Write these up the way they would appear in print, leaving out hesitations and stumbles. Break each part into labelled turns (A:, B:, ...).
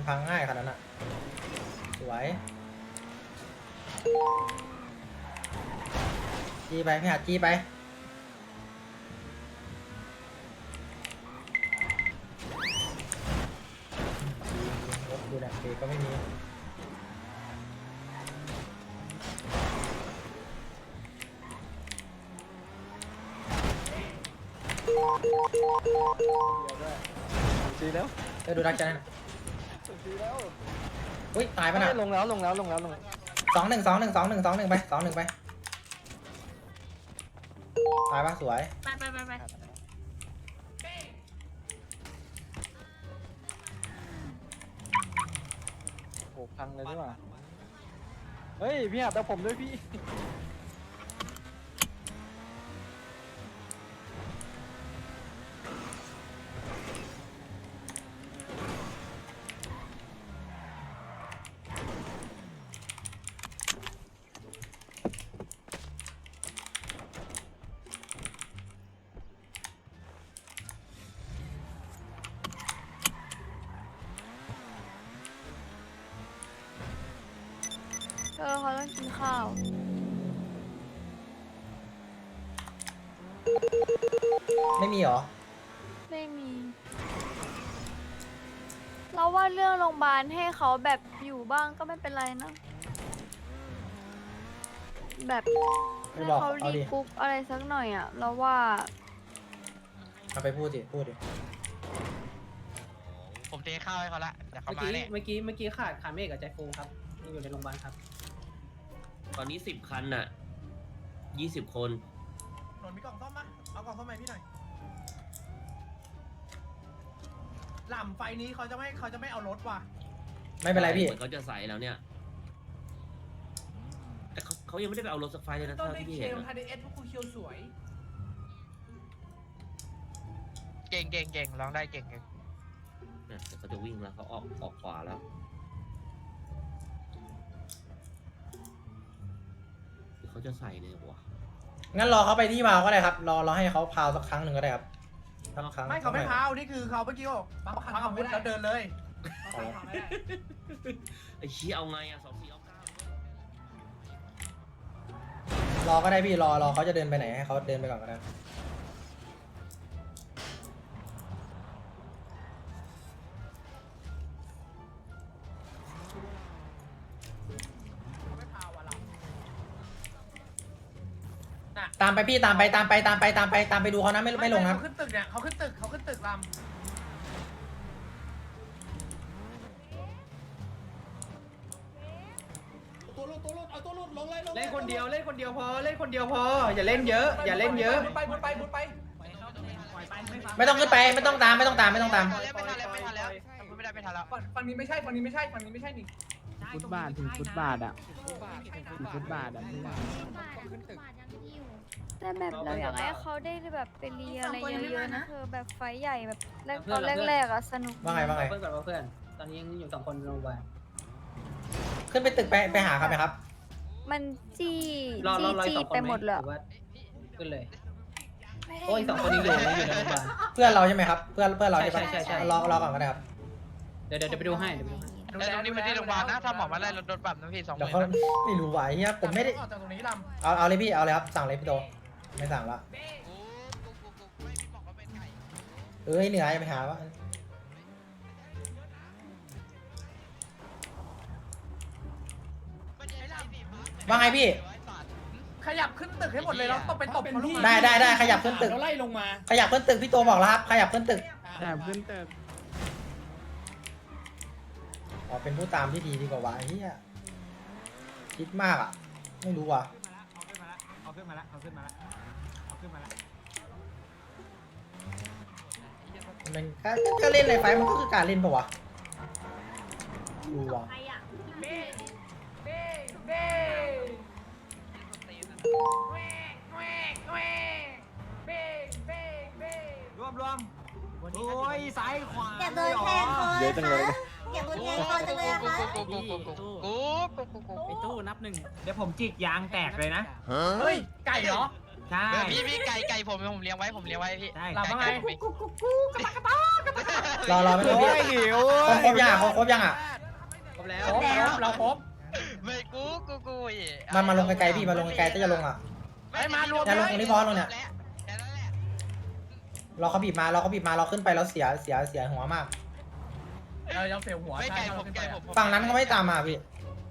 A: มันพังง่ายขนาดนั้นอ่ะสวยจี้ไปพี่หัดจี้ไปรถดูแลเบรกก็ไม่มี
B: จีแล้ว
A: ดูดักจัน
B: จีแล้ว
A: อุ้ยตายปะน่ะ
B: ลงแล้วลงแล้วลงแล้วลง
A: 2-1ไป2-1ไปตายปะสวย
C: ไป
B: โอ้พังเลยดีกว่าเฮ้ยพี่หัดเอาผมด้วยพี่
C: เขาต้องกินข้าว
A: ไม่มีเหรอ
C: ไม่มี เราว่าเรื่องโรงพยาบาลให้เขาแบบอยู่บ้างก็ไม่เป็นไรนะ แบบ
A: ไม่
C: ให้
A: บอก
C: เขา
A: เอา
C: รี
A: ดิ
C: กรุ๊ปอะไรสักหน่อยอ่ะ เราว่า
A: เอาไปพูดดิ
D: ผมเทข้าวให้เขาละเดี๋ยวเขา
E: เมื่อ
D: มา
E: กี้
D: เนี่ย
E: เมื่อกี้เมื่อกี้ขาดคาเมฆกับใจฟูครับยังอยู่ในโรงพยาบาลครับ
F: ตอนนี้10 คันน่ะ20 คน
G: หนนมีกล่องซ่อมปะเอากล่องซ่อมมาให้พี่หน่อยหล่ำไฟนี้เขาจะไม่เอารถว่ะ
A: ไม่เป็นไรพี่
F: เหมือนเขาจะใส่แล้วเนี่ย แต่เขายังไม่ได้ไปเอารถสักไฟเลยนะ
G: ต้น
F: เท่า
G: ได้
F: ที่พี่
G: เค
F: เห็น
G: ล
F: นะ
G: ทาเดเอสพวกคุณเคียวสวย
D: เก่งร้องได้เก่ง
F: เนี่ยแต่เขาจะวิ่งแล้วเขาออกขวาแล้วหรือเขาจะใส่เลยวะ
A: งั้นรอเขาไปที่พาวก็ได้ครับ รอให้เขาพาวสักครั้งหนึ่งก็ได้ครับสักครั้ง
G: ไม่เขาไม่พาวนี่คือเขาเมื่อกี้บอกพังอาวุธแล้วเดินเลย
F: ไอ้ชี้เอาไงอ่ะ24เอา9
A: รอก็ได้พี่รอเขาจะเดินไปไหนให้เขาเดินไปก่อนก็ได้
G: เขาไม่พาวอ่ะหล่ำ
A: ตามไปพี่ตามไปดูเขานะไม่ลงครับ
G: เขาขึ้นตึกเนี่ยเขาขึ้นตึกลำ
E: เล่นคนเดียวพอเล่นคนเดียวพออย่าเล่นเยอะอย่าเล่นเยอะ
G: บุญไป
A: ไม่ต้องขึ้นไปไม่ต้องตาม
D: ไม่ทันแล้วไม่ทันแล้ว
G: ฝั่งนี้ไม่ใช่นี่
H: ฟุตบาทถึงฟุตบาทอ่ะถึงฟุตบาทอ่ะไม่ได้
C: แต่แบบเราอยากให้เขาได้แบบไปเรียนอะไรเยอะๆนะเธอแบบไฟท์ใหญ่แบบตอนแรกๆอ่ะสนุก
A: ว่าไง
E: เพื่อนก่อนว่าเพื่อนตอนนี้ยังอยู่2 คนในโรงพยาบาล
A: ขึ้นไปตึกไปหาครับไหมครับ
C: มันจี้
E: รออีก2 คน
C: ไปหมดเลย
E: รือว่าขึ้นเลยโอ้ย2 คนยังอยู่ในโรงพยาบาล
A: เพื่อนเราใช่ไหมครับเพื่อนเราใช่ปะ
E: ใช่
A: รอก่อนก็ได้ครับ
E: เดี๋ยวไปดูให้
D: แต่ตรงนี้เป็นที่โรงพยาบาลนะถ้าหมอมาไล่รถปรับนะพี่2
A: เดี๋ยว
D: 0,000
A: เขาไม่รู้ไหวเฮียผมไม่ได้
G: ออกจากตรงนี้ลำ
A: เอาเลยพี่เอาเลยครับสั่งเลยพี่โตไม่สั่งละ
D: ไม่พี่บอกว่าเป็นไก่
A: เหนื่อยไปหาวะว่าไงพี่
G: ขยับขึ้นตึกให้หมดเลยเราต้องไปตบเขาลงมา
A: ได้ขยับขึ้นตึก
H: เราไล่ลงมา
A: ขยับขึ้นตึกพี่โตบอกแล้วครับขยับขึ้นตึก
H: แต่ขึ้นตึก
A: อ๋อเป็นผู้ตามที่ดีกว่าวะเฮียคิดมากอ่ะไม่รู้ว่ะมันก็เล่นในไฟมันก็คือการเล่นปะวะดูว่ะ
G: รวมโอ้ยซ้ายขวา
I: อย่าโดนแทงคอ
B: เยอะจังเลย
I: อย่าโดนแทงคอจังเลยอะคะ
H: ไอ้ตู้นับ1
E: เดี๋ยวผมจิกยางแตกเลยนะ
G: เฮ้ยไก่เหรอ
E: ใช่
D: พี่ไก่ผมเลี้ยงไว้พี่
E: ใช่
G: หลับว่าไง
D: ผม
A: รอไม่ต้องพี่
B: หิว
A: ครบยังอ่ะครบยังอ่ะ
E: ครบแล้ว
A: ครบเราครบ
D: ไม่กูอีก
A: มาลงไกลๆพี่มาลงไกลๆถ้าจะลงอ่ะ
D: ไม่มารวม
A: อย่าลงตรงนี้พอลงเนี่ย
D: แค่นั้นแหละ
A: เราเขาบีบมาเราขึ้นไปแล้วเสียหัวมาก
G: เรายังเสียวหัว
D: ไม่
G: ใช่
D: ไกล
G: เรา
D: ผม
G: ขึ้น
D: ไก
G: ไป
D: ล
G: อะ
D: ผม
A: ฝั่งนั้นเขาไม่ตามมาพี่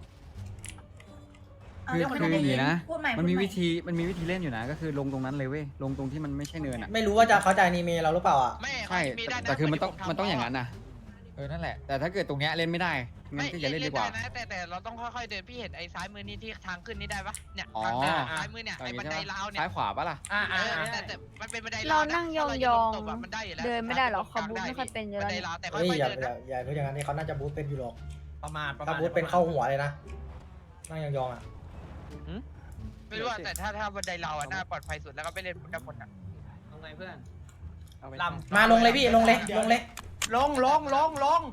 H: คืออย่างนี้นะ
I: พูดใหม่
H: มันมี
I: พูดให
H: วิธีเล่นอยู่นะ ก็คือลงตรงนั้นเลยเว้ย ลงตรงที่มันไม่ใช่เนินอ่ะ
A: ไม่รู้ว่าเขาจะอนิเมะเราหรือเปล่าอ่ะ
D: ไม่
H: ใช่
D: มีได้นะ
H: แต่คือมันต้องอย่างนั้นนะนั่นแหละ แต่ถ้าเกิดตรงเนี้ยเล่นไม่ได้ งั้นก็อย่าเล่นดีกว่า
D: นะแต่เราต้องค่อยๆเดินพี่เห็นไอ้ซ้ายมือนี่ที่ทางขึ้นนี่ได้ปะเนี่ย
H: อ๋อ
D: ทางเดินซ้ายมือเนี่ยไอ้บันไดราวเนี่ย
H: ซ้ายขวาปะล่ะ
D: แต่มันเป็นบันได
C: เรา
D: ราว
C: นั่งยองๆเดินไม่ได้หรอกเขาบูทไม่ค่อยเป็นอยู่
D: บั
C: แล้ว
D: นได
C: เนี่ย
D: ราวแต่ค่
A: เฮ้ย
D: อย
A: อย่า
D: ๆเดิน
A: อย่า
D: นะ
A: อย่าพูดอย่างนั้นนี่เขาน่าจะบูทเป็นอยู่หรอก
G: ประมาณ
A: ถ้าบูทเป็นเข้าหัวเลยนะนั่งยองๆอ่ะ
D: ไม่รู้ว่าแต่ถ้าบันไดราวอ่ะน่าปลอดภัยสุดแล้วก็ไปเล่นกันหมดอ่ะ
E: ทำไงเพื่อน
G: ล
A: มาลงเลยพี่ลงเลย
G: ลง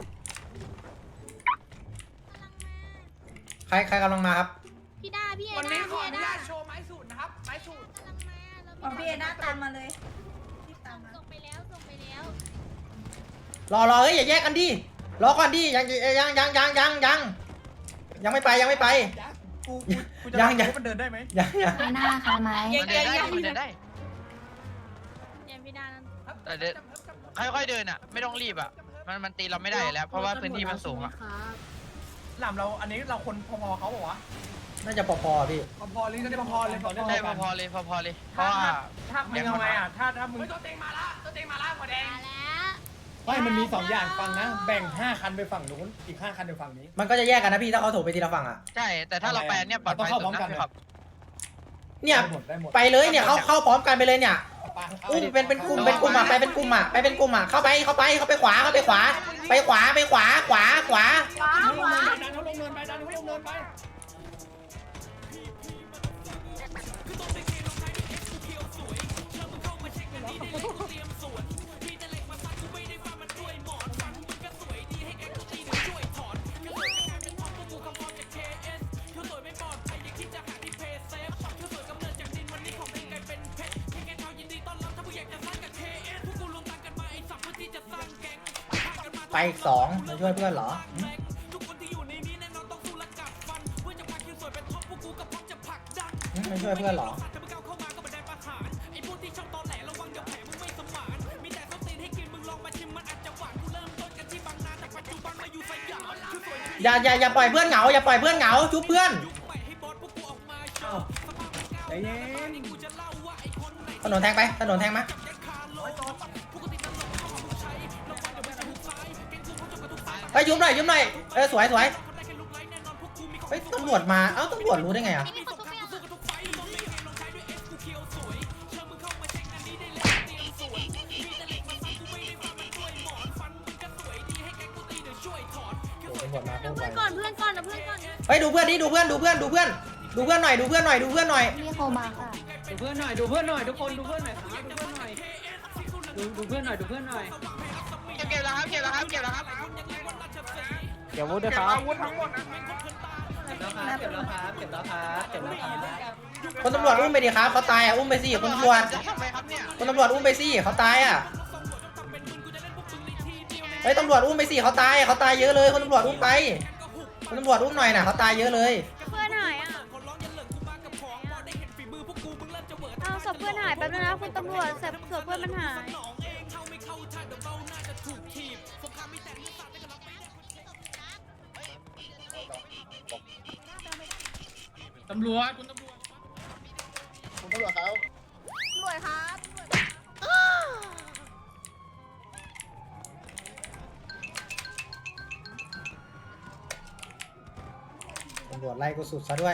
A: ใครกำลังมาครับ
I: พี่ด้าพี่เอ
G: วัน
I: ด้า
G: นี้ขอ
I: พี่
G: อ
I: เอ
G: นุ
I: ด้า
G: ญาตโชว์ไม้สูตรนะครับไม้สูตร
I: ของพี่เอด้าตามมาเลยรีบตามมา
C: ส่งไปแล้วส่งไปแล้ว
A: รอเฮ้ยอย่าแยกกันดิรอก่อนดิยังไม่ไปยัง
G: กูจะรู้มันเดินได้ไหม
C: ไม่น่าค่ะไหม
D: มันเดินได้มันเดินได้
C: เดี๋ยวพี่ดานั้น
D: แต่เดินค่อยๆเดินอ่ะไม่ต้องรีบอ่ะมันตีเราไม่ได้แล้วเพราะว่าพื้นที่มันสูงอ่ะ
G: หล่ำเราอันนี้เราคนพอๆเขาบอกว่า
A: น่าจะพอๆพี่
G: พอๆเลยก็ได้พอๆเลย
D: ได้พอๆเลยเพราะว่า
G: ถ้ามึงเอาไงอ่ะถ้ามึงตัวเต็งมาละหัวแดง
C: มาแล้ว
J: ไม่มันมี2อย่างฟังนะ แบ่ง5คันไปฝั่งนู้นอีก5คันไปฝั่งนี้
A: มันก็จะแยกกันนะพี่ถ้าเขาถูไปทีละฝั่งอ่ะ
D: ใช่แต่ถ้าเราไปเนี่ยปลอดภัยสุดนะครับ
A: เนี่ย
J: ได้หมด
A: ไปเลยเนี่ยเข้าพร้อมกันไปเลยเนี่ย
J: ไป
A: อุ้มเป็นกลุ่มอ่ะไปเป็นกลุ่มอ่ะเข้าไปขวาไปขวา
J: ดันเขาลงเนินไปดันเขาลงเนินไป
A: ไปอีก2มาช่วยเพื่อนเหรอไม่ช่วยเพื่อนเหรออย่าปล่อยเพื่อนเหงาอย่าปล่อยเพื่อนเหงาชุบเพื่อน
J: ใจเย็น
A: ถนนแทงมาไปยุบหน่อยสวยเฮ้ยตำรวจมาตำรวจรู้ได้ไงอ่ะตำรวจมา
C: เพื่อนก่อนเพื่อนก่อนนะเพื่อนก่อน
A: เฮ้ยดูเพื่อนหน่อย
C: พี่โคมาค่ะ
E: ดูเพื่อนหน่อยทุกคนดูเพื่อนหน่อยครับดูเพื่อนหน่อย
D: เก็บแล้วครับ
B: เดี๋ยวบูทด้วยครับ
G: อาวุธทั้งหมดนะ
E: เก็บแล้วครับ
A: คนตำรวจอุ้มไปดิครับเขาตายอ่ะอุ้มไปสิคนตำรวจ
D: ทำไมครับเนี่ย
A: คนตำรวจอุ้มไปสิเขาตายอ่ะเฮ้ยตำรวจอุ้มไปสิเขาตายเยอะเลยคนตำรวจอุ้มไปคนตำรวจอุ้มหน่อยนะเขาตายเยอะเลย
C: เพื่อนหายอ่ะเอาศพเพื่อนหายแป๊บนึงนะคุณตำรวจศพเพื่อนมันหาย
G: ตำรวจคุณตำรวจ
C: ตำรวจครับ
A: ตำรวจไล่กูสุดซะด้วย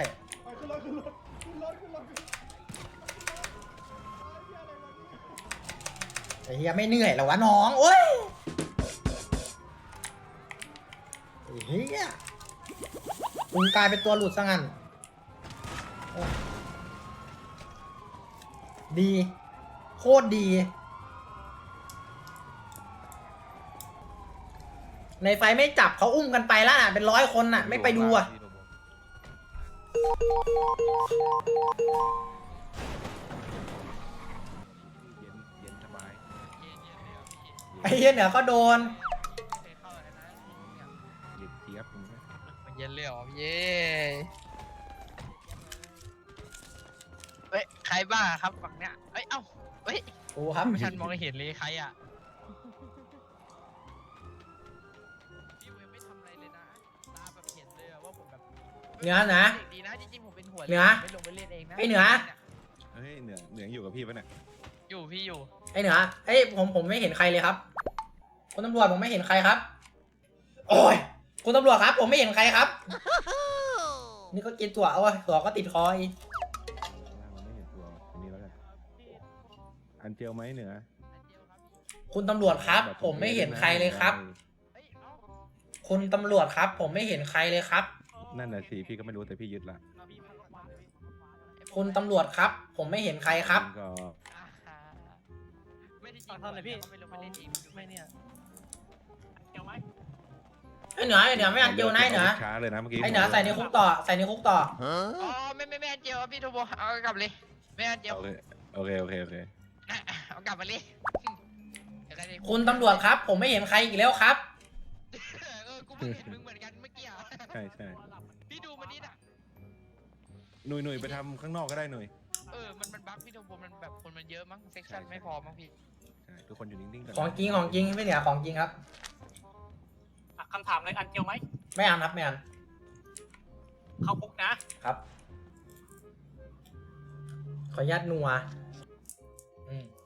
A: ไอ้เฮียไม่เหนื่อยเหรอวะน้องโอ้ยไอ้เฮียมึงกลายเป็นตัวหลุดซะงั้นโอ้ดีโคตรดีในไฟไม่จับเขาอุ้มกันไปแล้วน่ะเป็น100 คนน่ะไม่ไปดูอ่ะไอ้เหี้ยเหนือก็โดน
D: มันเย็นเลยเหรอพี่เย้เฮ้ยใครบ้าครับฝั่งเนี้ยเฮ้ยเอ้าเฮ้ย
A: กูครับ
D: ไม่ทันมองเห็นเลยใครอ่ะพี่เวไม่ทำอะไรเลยนะตาแบบเห็นเลยว่าผมแบบ
A: เหนือนะ
D: เด็กดีนะจริงๆผมเป็นหัว
A: เหนือ
D: ไม่ลงไปเล่นเองนะ
A: ไอ้เหนือ
K: เฮ้ยเหนืออยู่กับพี่ปะเนี่ย
D: อยู่พี่อยู่
A: ไอ้เหนือไอ้ผมไม่เห็นใครเลยครับคุณตำรวจผมไม่เห็นใครครับ โอ้ยคุณตำรวจครับ ผมไม่เห็นใครครับ นี่ก็กินตัวเอาวะตัวก็ติดคออีก
K: มันไม่เห็นตัวทีนี้แล้วกันอันเจียวไหมเหนือ
A: คุณตำรวจครับ ผมไม่เห็นใครเลยครับ
D: เฮ้ยเอ้า
A: คุณตำรวจครับ ผมไม่เห็นใครเลยครับ
K: นั่นน่ะสิพี่ก็ไม่รู้แต่พี่ยึดละ
A: คุณตำรวจครับ ผมไม่เห็นใครครับ
K: มันก็
D: ไม่ได้จริงเท่าไหร่พี่ไม่ลงไปเล่นเองไม่เนี่ย
A: ไอ้เหนือไม่อันเจียวนะไอ้เหนือ
K: ช้าเลยนะเมื่อกี้
A: ไอ้เหนือใส่ในคุกต่อใส่ในคุกต่อ
D: อ๋อไม่อันเจียวพี่โทโบเอากลับเลยไม่อันเจียว
K: โอเค
D: เอากลับมาเลย
A: คุณตำรวจครับ ผมไม่เห็นใครอีกแล้วครับ
D: กูเพิ่งเห็นมึงเหมือนกันเมื่อกี้
K: ใช่
D: พี่ดูมันนี่น่ะ
K: หนุ่ยไปทำข้างนอกก็ได้หนุ่ย
D: มันบั๊กพี่โทโบมันแบบคนมันเยอะมั้งเซ็กชันไม่พอมั้งพี่
K: ใช่ทุกคนอยู่นิ่งๆกัน
A: ของจริงไม่เหนือของจริงครับ
E: คำถามเลยอันเจียวไหม
A: ไม่อันครับไม่อัน
E: เข้าคุกนะ
A: ครับ ขออนุญาตนัวอืม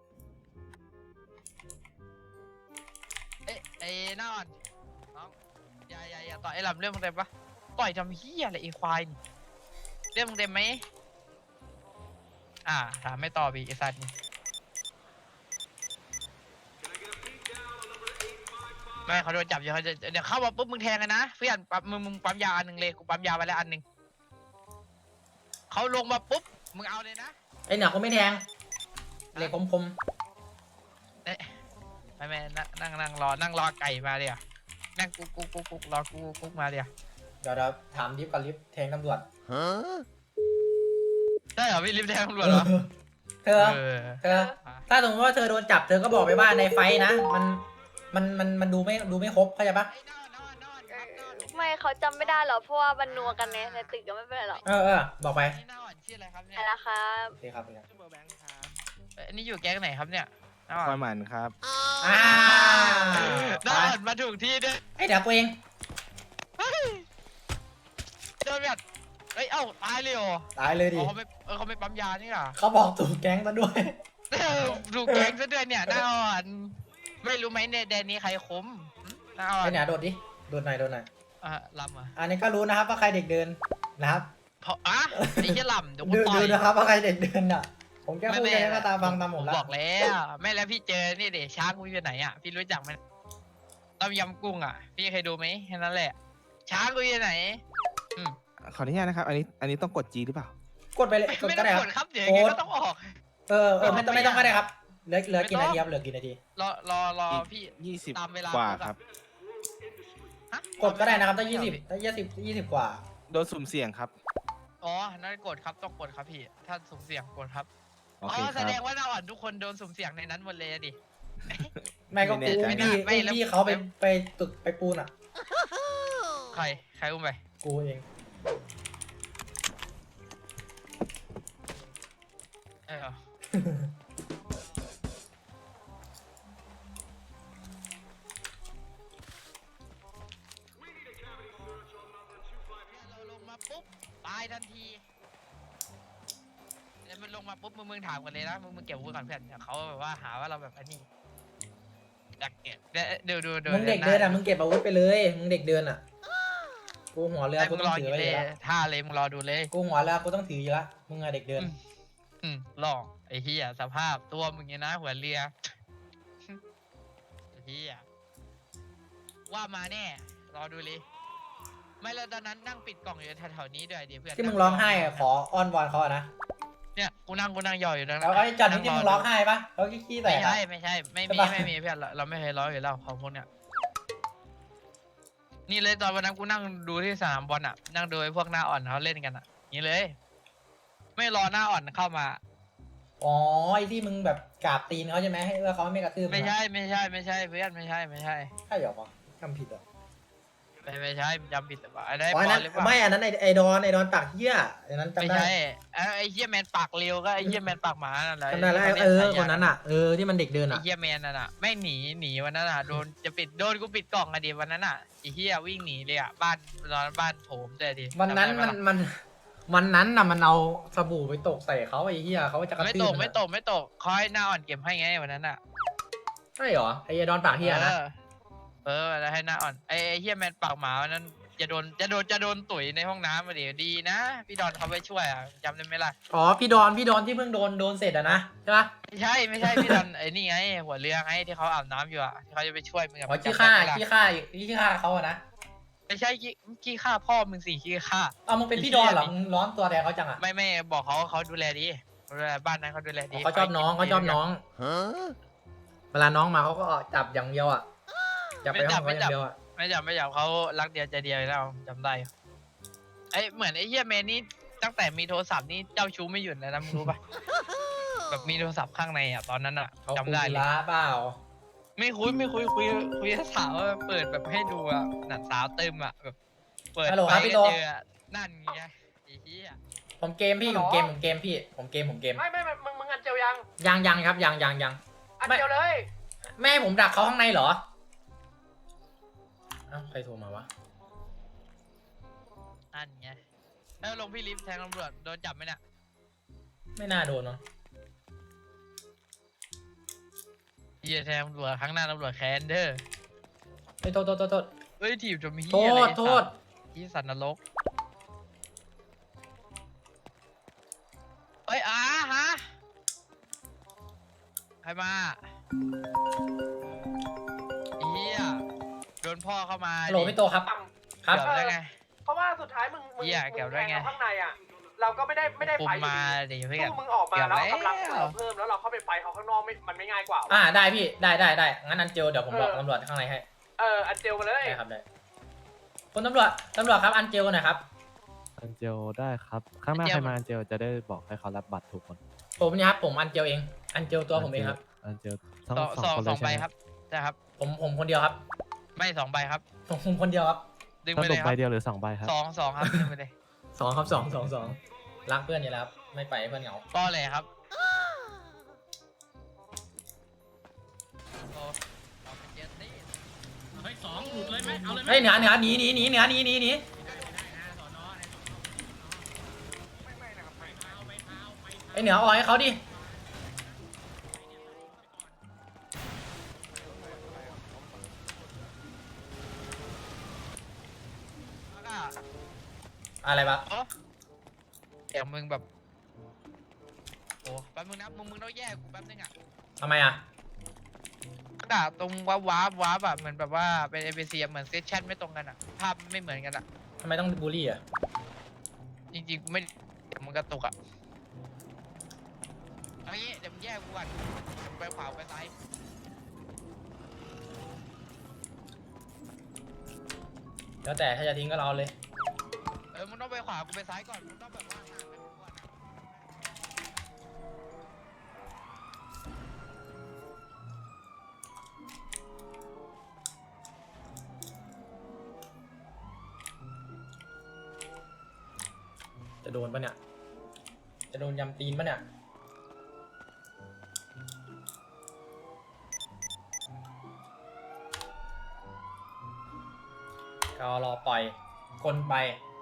D: ไอ้นอนน้องอย่าต่อยไอ้ลำเรื่องมึงเต็มปะต่อยทำเฮียอะไรไอ้ควายนี่เรื่องมึงเต็มไหมถามไม่ตอบอีกไอ้สัตว์นี่ไม่เขาโดนจับอยู่เขาจะเดี๋ยวเข้ามาปุ๊บมึงแทงกันนะเพื่อนปั๊บมึงปั๊มยาอันหนึ่งเลยกูปั๊มยาไปแล้วอันหนึ่งเขาลงมาปุ๊บมึงเอาเลยนะ
A: ไอ้เหนือเขาไม่แทงเหล็กคม
D: ไม่นั่งรอไก่มาเดี๋ยวนั่งกุ๊กรอกุ๊กมาเดี๋ยว
A: ๆเดี๋ยวถามลิฟต์กับลิฟต์แทงตำรวจ
D: ใช่เหรอพี่ลิฟต์แทงตำรวจเหรอ
A: เธอ ถ้าสมมติว่าเธอโดนจับเธอก็บอกไปว่าในไฟท์นะ มันดูไม่ครบเข้าใจปะ
C: ไม่เขาจำไม่ได้หรอกเพราะว่ามันนัวกันในตึกก็ไม่เป็นไรหรอก
A: บอกไป
D: นี่หน้าอ่อนชื่ออะไรครับเนี่ย
C: อะไรครับ
A: โอเคครับ
D: ชื่อเบอร์แบงค์ครับอันนี้อยู่แก๊งไหนครับเนี่ยหน้าอ่
K: ค
D: อ
K: อน ยหมันครับ
A: อ่า
D: หน้าอ่อนมาถูกที่ด้วย
A: ไอ้เดี๋ยวกูเอง
D: โดนแบบเอ้ยเอ้าตายเลยเหรอ
A: ตายเลยดิ
D: เขาไม่ปั๊มยานี่หรอ
A: เขาบอกถูกแก๊งซะด้วย
D: ถูกแก๊งซะด้วยเนี่ยหน้าอ่อนไม่รู้ไหมในแดนนี้ใครคมหน้าอ่อน
A: ไอ้เนี่ยโดดดิ โดดหน่อย
D: ลำอ่ะ
A: อันนี้ก็รู้นะครับว่าใครเด็กเดินนะครับ
D: เพราะไอ้เหี้ยลำเดี๋ยวกู
A: ดู
D: ต่อย
A: นะครับว่าใครเด็กเดินอ่ะ ผมแค่พูดแค่ก็ตามฟังตามผมแล้ว
D: บอกแล้วไม่แล้วพี่เจอนี่เด็ช้างกูอยู่ไหนอ่ะพี่รู้จักไหมต้มยำกุ้งอ่ะพี่เคยดูไหมแค่นั้นแหละช้างกูอยู่ไหน
G: ขออนุญาตนะครับ อันนี้ต้องกด G หรือเปล่า
A: กดไปเลยกด
D: ไม่
A: ก็
D: ต้อ
A: ได้
D: ง
A: ค
D: ก
A: รับ
D: ดครับเดี๋ยวยังไงก็ต้องออก
A: ไม่ต้องก็ได้ครับ เหลือกี่นาทีครับ เหลือกี่นาที
D: รอพี่
G: 20
D: ตามเวลาก
G: ว่าครับ
A: กดก็ได้นะครับถ้า20กว่า
G: โดนสุ่มเสี่ยงครับ
D: อ๋อนั่นกดครับต้องกดครับพี่ถ้าสุ่มเสี่ยงกดครับ
G: โอ
D: อ๋
G: เค
D: อ
G: ค
D: แส
G: รับ
D: ดงว่าเราอ่อนทุกคนโดนสุ่มเสี่ยงในนั้นหมดเลยดิ
A: ไม่ก็กู
G: ไม่แน่ใจ
A: พี่เขาไปตึกไปปูนอ่ะ
D: ใครอุ้มไป
A: กูเอง
D: เออเราลงมาปุ๊บตายทันทีแล้วมันลงมาปุ๊บมึงถามกันเลยนะมึงเก็บอาวุธก่อนเพื่อนเดี๋ยวเขาแบบว่าหาว่าเราแบบอันนี้อยากเก็บดู
A: มึงเด็กเดินอ่ะ มึงเก็บอาวุธไปเลย มึงเด็กเดินอ่ะ กูหัวเรือ กู
D: มึง
A: ต้
D: ร
A: อ
D: อง
A: ถื
D: อ
A: อยู่ ไว้
D: เล
A: อย ยู่แล้ว
D: ท่าเลยมึงรอดูเลย
A: กูหัวเรือ กูต้องถืออยู่แล้ว มึงอะเด็กเดิน
D: ลองไอ้เฮียสภาพตัวมึงเนี่ยนะหัวเรือไอ้เฮียว่ามาแน่รอดูเลยไม่แล้วตอนนั้นนั่งปิดกล่องอยู่แถวๆนี้ด้วยเดี๋ยวเพื่อน
A: ที่มึงร้องไห้อะขออ้อนวอนเขาอะนะ
D: เนี่ยกูนั่งย่ออยู่ตรงนั้น
A: แล้วไอ้จอดที่มึงร้องไห้ปะเขาขี้แต
D: ไม่
A: ก
D: ใช่
A: อะ
D: ไม่ใช่ไม่
A: ใช่
D: มี
A: ปะ
D: ไม่มีเพื่อนเราไม่เคยร้องอยู่แล้วของพวกเนี้ยนี่เลยตอนวันนั้นกูนั่งดูที่สนามบอลอ่ะนั่งดูไอ้พวกหน้าอ่อนเขาเล่นกันอ่ะนี่เลย ไม่รอหน้าอ่อนเข้ามา
A: อ๋อไอ้ที่มึงแบบกราบตีนเขาใช่ไหมให้ว่าเขาไม่กระทืบง
D: ไม่ใช่ไม่ใช่ไม่ใช่เพื่อนไม่ใช่ไม่ใช่
A: ใช่เหรอวะจำผิดเหรอ
D: ไม่ใช่จำผิดหรือเปล่าอะไร
A: อ๋ออันนั้น
D: หรือเปล่า
A: ไม่อันนั้นไอ้ดอนปากเหี้ยอันนั้น
D: ไม่
A: จำได้
D: ใช่ไอ้เหี้ยแมนปากเร็วก็ไอ้เหี้ยแมนปากหมานั่นแหละ
A: จำได้แล้ว
D: ที่
A: เออ
D: ขารียก
A: คนนั้นอ่ะที่มันเด็กเดิน
D: ไอ้
A: อ่ะ
D: เหี้ยแมนนั่นน่ะแม่งหนีวันนั้นอ่ะโดนกูปิดกล่องอะดิวันนั้นอ่ะไอ้เหี้ยวิ่งหนีเลยอ่ะบ้านโถมเลยดิ
A: วันนั้น
D: จำได้ปะล่ะ
A: วันนั้นน่ะมันเอาสบู่ไปตกใส่เขาไอ้เหี้ยเขาจะกระ
D: ไม่
A: ทื
D: ต
A: บ
D: ก
A: น
D: ไม่
A: อะ
D: ตกไม่ตกคอยหน้าอ่อนเก็บให้ไงวันนั้นอ่ะ
A: ใช่เหรอไอ้ดอนปากเหี้ยนะ
D: แล้วให้หน้าอ่อนไอ้เหี้ยแมนปากหมาวันนั้นจะโดนตุ๋ยในห้องน้ำมาดิดีนะพี่ดอนเขาไปช่วยอ่ะจำได้ไหมล่ะ
A: อ๋อพี่ดอนที่เพิ่งโดนเสร็จอะนะใช่ปะ
D: ไม่ใช่พี่ดอนไอ้นี่ไงหัวเรือไงที่เขาอาบน้ำอยู่อ่ะที่เขาจะไปช่วยมึงอะ
A: อ๋อ
D: จำได้ไหมล่ะ
A: ขี้ฆ่าเขาอะนะ
D: ไม่ใช่ขี้ฆ่าพ่อมึงสิขี้ฆ่า
A: เอามึงเป็นพี่ดอนเหรอมึงร้อนตัวแทนเขาจังอะ
D: ไม่บอกเขาดูแลดีดูแลบ้านนั้นเขาดูแลดี
A: เขาชอบน้องเวลาน้องมาเขาก็จับอย่างเดียวอะจับไปห้องเขาอย่างเดียวอะ
D: ไม่จับเขารักเดียวใจเดียวแล้วจำได้ไอ้เหมือนไอ้เหี้ยเมนนี่ตั้งแต่มีโทรศัพท์นี่เจ้าชู้ไม่หยุดเลยนะมึงรู้ปะ แบบมีโทรศัพท์ข้างในอ่ะตอนนั้นอ่ะ
A: เขา
D: จำได้เลย
A: ล้าเปล่า
D: ไม่คุยกับสาวอะเปิดแบบให้ดูอ่ะหนังสาวเติมอ่ะแบบเปิด
A: ฮัลโหล
D: ไป
A: ครับพี่
D: ก็
A: โต
D: เจออะนั่นไงไอ้เหี้ย
A: ผมเกมพี่ผมเกมพี่ผมเกม
B: ไม่มึงอันเจียวยัง
A: ยังครับยัง
B: อันเจียวเลย
A: แม่ให้ผมดักเขาข้างในเหรออ้าวใครโทรมาวะ
D: นั่นไงแล้วลงพี่ลิฟต์แทงตำรวจโดนจับไหมเนี่ย
A: ไม่น่าโดนเนาะ
D: เหี้ยแทงตำรวจครั้งหน้าตำรวจแคนเดอร์
A: เฮ้ยโทษ
D: เฮ้ยถีบจนมี
A: โท
D: เหี้ยอะไร
A: ษโทษ
D: ที่สัตว์นรกเฮ้ยฮะใครมาเหี้ยโดนพ่อเข้ามา
A: ฮัลโหลพี่โตครับ ครับ
D: เกี่ยวได้ไง
B: เพราะว่าสุดท้ายมึง
D: เหี้ยเกี่ยวได้ไง
B: แทข้างในอ่ะเราก็ไม่ได้
D: คุ
B: ไฟ
D: มมาดิเพื่อน
B: สู้มึงออกมา
D: เกี่ยว
B: แล้ว
D: แล้ว
B: กำลังเราเพิ่มแล้วเราเข้าไปไฟเขาข้างนอกมันไม่ง่ายกว่า
A: ได้พี่ได้งั้นอันเจลเดี๋ยวผมบอกตำรวจข้างในให้
B: อันเจียวมาเลย
A: ได้ครับได้คุณตำรวจครับอันเจลหน่อยครับ
K: อันเจลได้ครับ ข้างหน้าใครมาอันเจลจะได้บอกให้เขารับบัตรถูกคน
A: ผมเนี่ยครับผมอันเจลเองอันเจลตัวผมเองครับ
K: อันเจลทั้ง
D: สอง
K: คนเล
D: สอย ง
K: ใช่
D: ใบ
K: ไหม
D: ครับใช่ครับ
A: ผมคนเดียวครับ
D: ไม่สองใบครับ
A: ผมคนเดียวครับ
D: ดึง
K: ส
D: ไปเล
K: รุป
D: ยค
K: ใบ
D: รับ
K: เดียวหรือ2 ใบครับ
D: สองครับดึงไปเลย
A: สองรักเพื่อนอยู่แล้วครับไม่ไปให้เพื่อนเหงา
D: ก็เลยครับโอ้เอาไปเจ็ดสิ
A: เฮ้ยเหนือหนีไอ้เหนืออ่อยให้เขาดิ
D: แล้วก็
A: อะไรวะ
D: โอ้เดี๋ยวมึงแบบโอ้แป๊บมึงนะมึงต้องแยกกูแป๊บนึงอ่ะ
A: ทำไมอ่ะ
D: กระดาษตรงวาร์ปแบบเหมือนแบบว่าเป็น NPC เหมือนเซสชั่นไม่ตรงกันอ่ะภาพไม่เหมือนกันอ่ะ
A: ทำไมต้องบูลลี่อ่ะ
D: จริงๆกูไม่มึงกระตุกอ่ะเอางี้เดี๋ยวมึงแยกกูก่อนไปขวาไปซ้าย
A: แล้วแต่ถ้าจะทิ้งก็เอาเลย
D: มึงต้องไปขวากูไปซ้ายก่อนมึงต้องแบบว่าห่างกันก่อนอะ
A: จะโดนปะเนี่ยจะโดนยำตีนปะเนี่ยก็รอปล่อยคนไป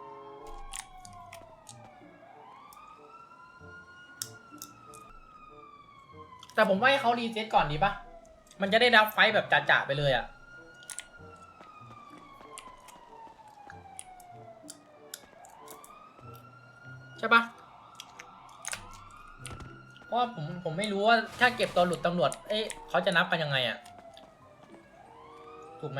A: แต่ผมว่าให้เขารีเซ็ตก่อนดีปะมันจะได้รับไฟต์แบบจ่าๆไปเลยอะใช่ปะเพราะว่าผมไม่รู้ว่าถ้าเก็บตัวหลุดตำรวจเขาจะนับกันยังไงอะถูกไหม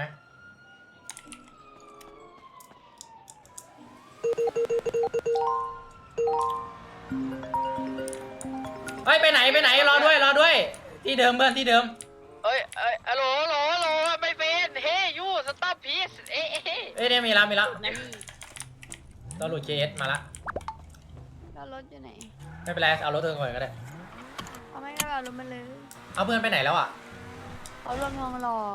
A: เฮ้ยไปไหนรอด้วยที่เดิมเพื่อนที่เดิม
D: เอ้ยฮัลโหลไม่เป็นเฮ้ยยูสต็อปพีซ
A: เนี่ยมีแล้วตัวหลุด JS มาละ
C: แล้วรถอยู่ไหน
A: ไม่เป็นไรเอารถเธอก่อนก็ได้
C: เขาไม่ได้เอารถมาเลย
A: เอาเพื่อนไปไหนแล้วอ่ะ
C: เขารวมทองหล่อบ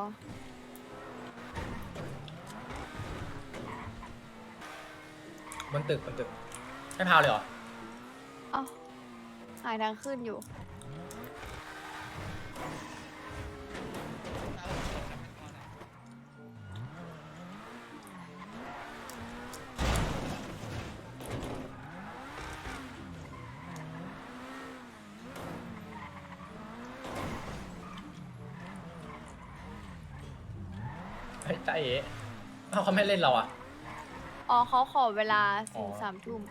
A: นตึกไม่พาวเลยเหรอ
C: เอ้าหายทางขึ้นอยู่
A: เฮ้ยจ้าเอ๋เขาไม่เล่นเราอ่ะ
C: อ๋อเขาขอเวลาถึง
A: อ๋อ
C: 3 ทุ่ม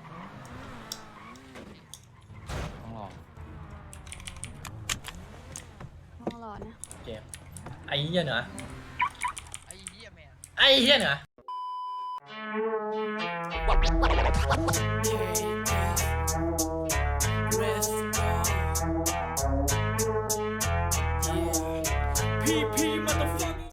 H: ต้องรอ
C: ต้องรอนะ
A: โอเคไอ้เหี้ยเหนือ
D: ไอ้เหี้ยแมน
A: ไอ้เหี้ยเหนือ
E: PP motherfucker